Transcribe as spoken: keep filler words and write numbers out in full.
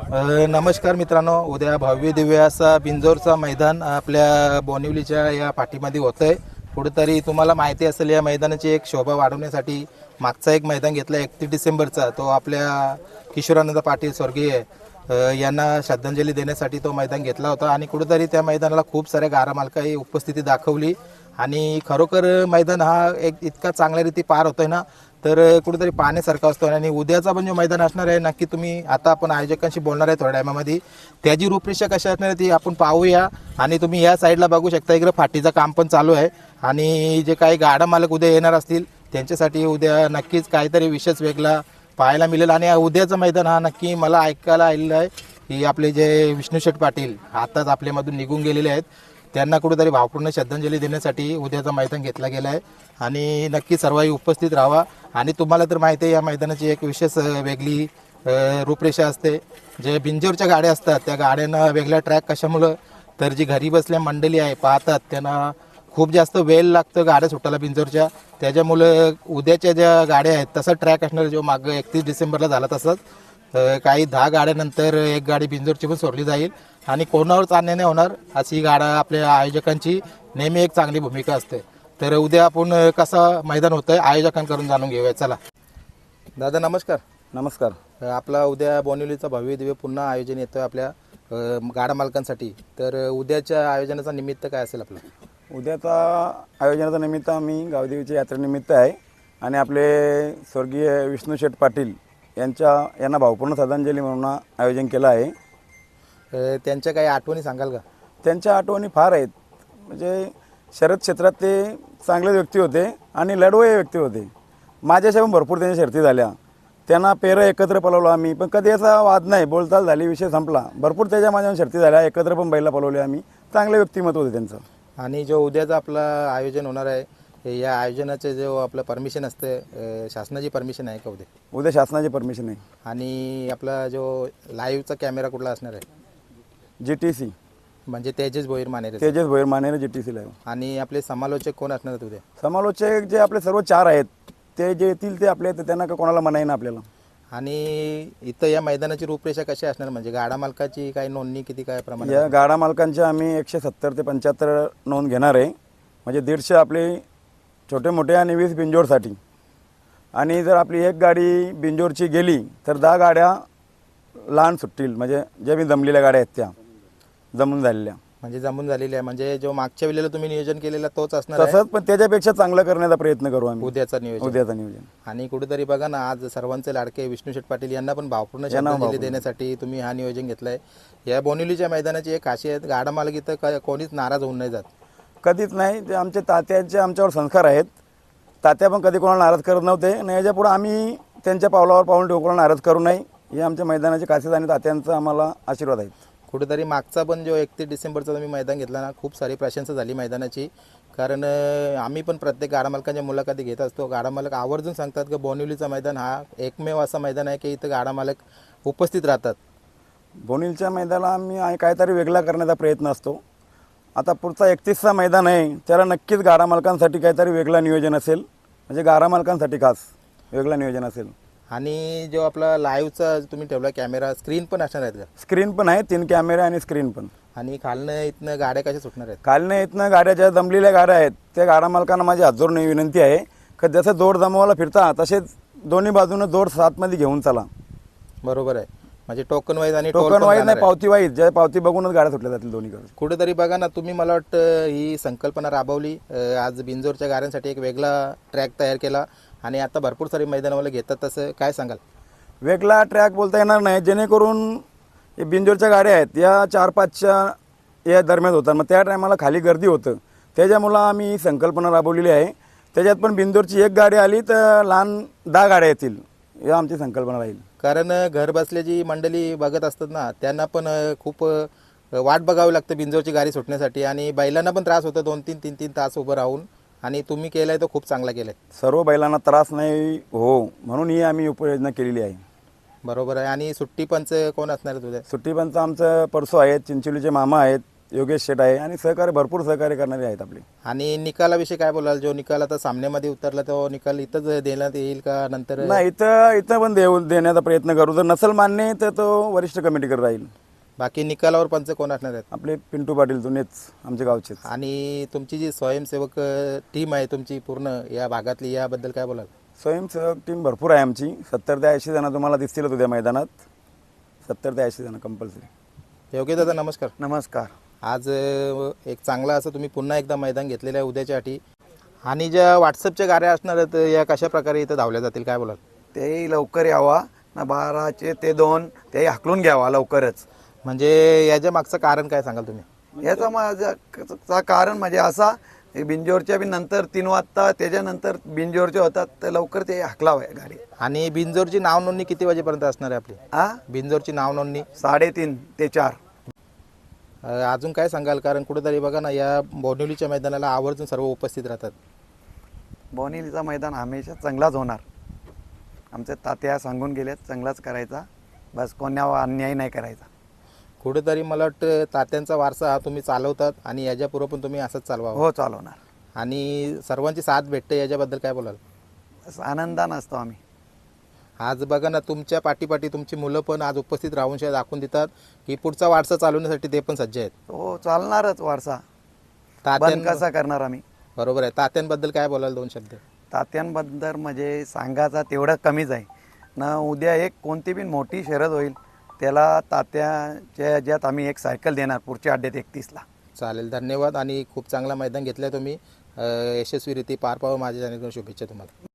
अ, नमस्कार मित्रांनो, उद्या भव्य दिव्य असा बिंजोरचा मैदान आपल्या बोनिवलीच्या या पाठीमध्ये होतं आहे. कुठेतरी तुम्हाला माहिती असेल या मैदानाची एक शोभा वाढवण्यासाठी मागचा एक मैदान घेतला एकतीस डिसेंबरचा, तो आपल्या किशोरानंद पाटील स्वर्गीय अ, यांना श्रद्धांजली देण्यासाठी तो मैदान घेतला होता. आणि कुठेतरी त्या मैदानाला खूप साऱ्या गारा मालकाही उपस्थिती दाखवली आणि खरोखर मैदान हा एक इतका चांगल्या रीती पार होतोय ना, तर कुठेतरी पाहण्यासारखं असतो. आणि उद्याचा पण जो मैदान असणार आहे, नक्की तुम्ही आता आपण आयोजकांशी बोलणार आहे थोड्या टायमामध्ये, त्याची रूपरेषा कशी असणार आहे ती आपण पाहूया. आणि तुम्ही या साईडला बघू शकता, इकडे फाटीचं काम पण चालू आहे आणि जे काही गाडा मालक उद्या येणार असतील त्यांच्यासाठी उद्या नक्कीच काहीतरी विशेष वेगळा पाहायला मिळेल. आणि उद्याचं मैदान हा नक्की मला ऐकायला आलेलं आहे की आपले जे विष्णू शेठ पाटील आताच आपल्यामधून निघून गेलेले आहेत, त्यांना कुठेतरी भावपूर्ण श्रद्धांजली देण्यासाठी उद्याचा मैदान घेतला गेला आहे. आणि नक्की सर्वही उपस्थित राहावा. आणि तुम्हाला तर माहिती आहे या मैदानाची एक विशेष वेगळी रूपरेषा असते. जे बिंजोरच्या गाड्या असतात त्या गाड्यांना वेगळा ट्रॅक कशामुळं, तर जी घरी बसल्या मंडळी आहे पाहतात त्यांना खूप जास्त वेळ लागतं गाड्या सुटायला बिंजोरच्या, त्याच्यामुळं उद्याच्या ज्या गाड्या आहेत तसा ट्रॅक असणार जो मागं एकतीस डिसेंबरला झाला तसंच काही दहा गाड्यानंतर एक गाडी बिंजोरची पण सोडली जाईल आणि कोणावर चालणे नाही होणार अशी गाड्या आपल्या आयोजकांची नेहमी एक चांगली भूमिका असते. तर उद्या आपण कसं मैदान होतं आहे आयोजकांकडून जाणून घेऊया. चला दादा, नमस्कार. नमस्कार. आपला उद्या बोनिवलीचा भव्य दिव्य पुन्हा आयोजन येतं आपल्या गाडा मालकांसाठी, तर उद्याच्या आयोजनाचा निमित्त काय असेल आपलं? उद्याचा आयोजनाचा निमित्त आम्ही गावदेवीच्या यात्रेनिमित्त आहे आणि आपले स्वर्गीय विष्णू शेठ पाटील यांच्या यांना भावपूर्ण श्रद्धांजली म्हणून आयोजन केलं आहे. त्यांच्या काही आठवणी सांगाल का? त्यांच्या आठवणी फार आहेत. म्हणजे शर्यत क्षेत्रात ते चांगले व्यक्ती होते आणि लढवय व्यक्ती होते. माझ्याशी पण भरपूर त्यांच्या शर्ती झाल्या. त्यांना पेरं एकत्र पळवलं आम्ही, पण कधी असा वाद नाही, बोलचाल झाली, विषय संपला. भरपूर त्याच्या माझ्या शर्ती झाल्या, एकत्र पण बैला पळवले आम्ही. चांगले व्यक्तिमत्व होते त्यांचं. आणि जो उद्याचं आपलं आयोजन होणार आहे या आयोजनाचे जो आपलं परमिशन असते, शासनाची परमिशन आहे का उद्या? उद्या शासनाची परमिशन आहे. आणि आपला जो लाईव्हचा कॅमेरा कुठला असणार आहे? जी टी सी म्हणजे Tejas Bhoir Manere. Tejas Bhoir Manere G T C live. आणि आपले समालोचक कोण असणार आहेत उद्या? समालोचक जे आपले सर्व चार आहेत ते जे येतील ते आपले, त्यांना का कोणाला मनाई ना आपल्याला. आणि इथं या मैदानाची रूपरेषा कशी असणार, म्हणजे गाडा मालकाची काही नोंदणी किती काय प्रमाणात? या गाडा मालकांच्या आम्ही एकशे सत्तर ते पंच्याहत्तर नोंद घेणार आहे. म्हणजे दीडशे आपले छोटे मोठे आणि वीस बिंजोरसाठी. आणि जर आपली एक गाडी बिंजोरची गेली तर दहा गाड्या लहान सुटतील, म्हणजे ज्या मी जमलेल्या गाड्या आहेत त्या जमून झालेल्या. म्हणजे जमून झालेली आहे, म्हणजे जो मागच्या वेळेला तुम्ही नियोजन केलेला तोच असणार आहे? तसंच, पण त्याच्यापेक्षा चांगलं करण्याचा प्रयत्न करू आम्ही उद्याचा नियोजन. उद्याचा नियोजन. आणि कुठेतरी बघा ना, आज सर्वांचे लाडके विष्णू शेठ पाटील यांना पण भावपूर्ण श्रद्धांजली देण्यासाठी तुम्ही हा नियोजन घेतलाय. या बोनिवलीच्या मैदानाची एक खासियत, गाडा मालक इथं कोणीच नाराज होऊन नाही जात. कधीच नाही. ते आमचे तात्यांचे आमच्यावर संस्कार आहेत. तात्या पण कधी कोणाला नाराज करत नव्हते आणि याच्यापुढे आम्ही त्यांच्या पावलावर पाऊल ठेवून कोणाला नाराज करू नये, हे आमच्या मैदानाची खासियत आणि तात्यांचा आम्हाला आशीर्वाद आहेत. कुठेतरी मागचा पण जो एकतीस डिसेंबरचा तुम्ही मैदान घेतला ना, खूप सारी प्रशंसा झाली मैदानाची. कारण आम्ही पण प्रत्येक गाडा मालकांच्या मुलाखती घेत असतो. गाडा मालक आवर्जून सांगतात की बोनिवलीचा मैदान हा एकमेव असा मैदान आहे की इथं गाडा मालक उपस्थित राहतात. बोनिवलीच्या मैदानाला आम्ही काहीतरी वेगळा करण्याचा प्रयत्न असतो. आता पुढचा एकतीसचा मैदान आहे, त्याला नक्कीच गाडा मालकांसाठी काहीतरी वेगळं नियोजन असेल, म्हणजे गाडा मालकांसाठी खास वेगळं नियोजन असेल. आणि जो आपला लाईव्हचा तुम्ही ठेवला कॅमेरा, स्क्रीन पण असणार आहेत का? स्क्रीन पण आहे, तीन कॅमेरे आणि स्क्रीन पण. आणि खालनं इथनं गाड्या कशा सुटणार आहेत? खालनं इथनं गाड्या ज्या जमलेल्या गाड्या आहेत त्या गाडा मालकांना माझी हात जोडून विनंती आहे की जसं जोड जमवायला फिरता तसेच दोन्ही बाजूनं जोड सातमध्ये घेऊन चला. बरोबर आहे. म्हणजे टोकन वाईज आणि टोकन वाईज नाही, पावती वाईज. ज्या पावती बघूनच गाड्या सुटल्या जातील दोन्हीकडे. कुठेतरी बघा ना, तुम्ही मला वाटतं ही संकल्पना राबवली. आज बिंजोरच्या गाड्यांसाठी एक वेगळा ट्रॅक तयार केला आणि आता भरपूर सारी मैदानावाले घेतात, तसं काय सांगाल? वेगळा ट्रॅक बोलता येणार नाही, जेणेकरून हे बिंजोरच्या गाड्या आहेत या चार पाचच्या या दरम्यान होतात, मग त्या टायमाला खाली गर्दी होतं. त्याच्यामुळं आम्ही ही संकल्पना राबवलेली आहे. त्याच्यात पण बिंजोरची एक गाडी आली तर लहान दहा गाड्या येतील, ही आमची संकल्पना राहील. कारण घर बसल्याची मंडळी बघत असतात ना, त्यांना पण खूप वाट बघावी लागतं बिंजोरची गाडी सुटण्यासाठी आणि बैलांना पण त्रास होतो दोन तीन तीन तीन तास उभं राहून. आणि तुम्ही केलं तो खूप चांगला केलं आहे. सर्व बैलांना त्रास नाही हो म्हणून ही आम्ही उपाययोजना केलेली आहे. बरोबर आहे. आणि सुट्टी पंच कोण असणार आहे तुझ्या? सुट्टी पंच आमचं परसो आहेत, चिंचोलीचे मामा आहेत, योगेश शेट आहे आणि सहकार्य भरपूर सहकार्य करणारे आहेत आपले. आणि निकालाविषयी काय बोलाल? जो निकाल आता सामन्यामध्ये उतरला तो निकाल इथंच देण्यात येईल का नंतर? नाही, इथं इथं पण देऊ देण्याचा प्रयत्न करू. जर नसल मान्य तर तो वरिष्ठ कमिटीकडे राहील. बाकी निकालावर पंच कोण असणार आहेत? आपले पिंटू पाटील जुनेच आमच्या गावचेच. आणि तुमची जी स्वयंसेवक टीम आहे तुमची पूर्ण या भागातली, याबद्दल काय बोलाल? स्वयंसेवक टीम भरपूर आहे आमची. सत्तर ते ऐंशी जण तुम्हाला दिसतील उद्या मैदानात. सत्तर ते ऐंशी जण कंपल्सरी. योग्य दादा नमस्कार. नमस्कार. आज अ, एक चांगला असं तुम्ही पुन्हा एकदा मैदान घेतलेलं आहे उद्याच्यासाठी. आणि ज्या व्हॉट्सअपच्या गाड्या असणार आहेत या कशा प्रकारे इथं धावल्या जातील काय बोलाल? तेही लवकर यावा ना, बाराचे ते दोन तेही हाकलून घ्यावा लवकरच. म्हणजे याच्या मागचं कारण काय सांगाल तुम्ही? याचा माझा कारण म्हणजे असा, हे बिंजोरच्या बी नंतर तीन वाजता त्याच्यानंतर बिंजोरचे होतात तर लवकर ते हाकलावं गाडी. आणि बिंजोरची नाव नोंदणी किती वाजेपर्यंत असणार आहे आपली? हा, बिंजोरची नाव नोंदणी साडेतीन ते चार. अ, अजून काय सांगाल? कारण कुठेतरी बघा ना, या बोनिवलीच्या मैदानाला आवर्जून सर्व उपस्थित राहतात. बोनिवलीचा मैदान हमेशा चांगलाच होणार. आमचे तात्या सांगून गेलेत चांगलाच करायचा, बस कोणावर अन्याय नाही करायचा. कुठेतरी मला वाटतं तात्यांचा वारसा हा तुम्ही चालवतात आणि याच्यापूर्वी पण तुम्ही असंच चालवावं. हो, चालवणार. आणि सर्वांची साथ भेटते याच्याबद्दल काय बोलाल? बस आनंदानं असतो आम्ही. आज बघा ना, तुमच्या पाठीपाठी तुमची मुलं पण आज उपस्थित राहून शे दाखवून देतात की पुढचा वारसा चालवण्यासाठी ते पण सज्ज आहेत. हो, चालणारच वारसा. बंद तात्यां कसा करणार आम्ही? बरोबर आहे. तात्यांबद्दल काय बोलाल दोन शब्द? तात्यांबद्दल म्हणजे सांगायचा तेवढं कमीच आहे ना. उद्या एक कोणती बी मोठी शर्यत होईल त्याला तात्याच्या ह्याच्यात आम्ही एक सायकल देणार पुढच्या अड्ड्यात एकतीसला. चालेल, धन्यवाद. आणि खूप चांगला मैदान घेतलं आहे तुम्ही. अ, यशस्वीरित्या पार पाहावं माझ्या जाण्याकडून शुभेच्छा तुम्हाला.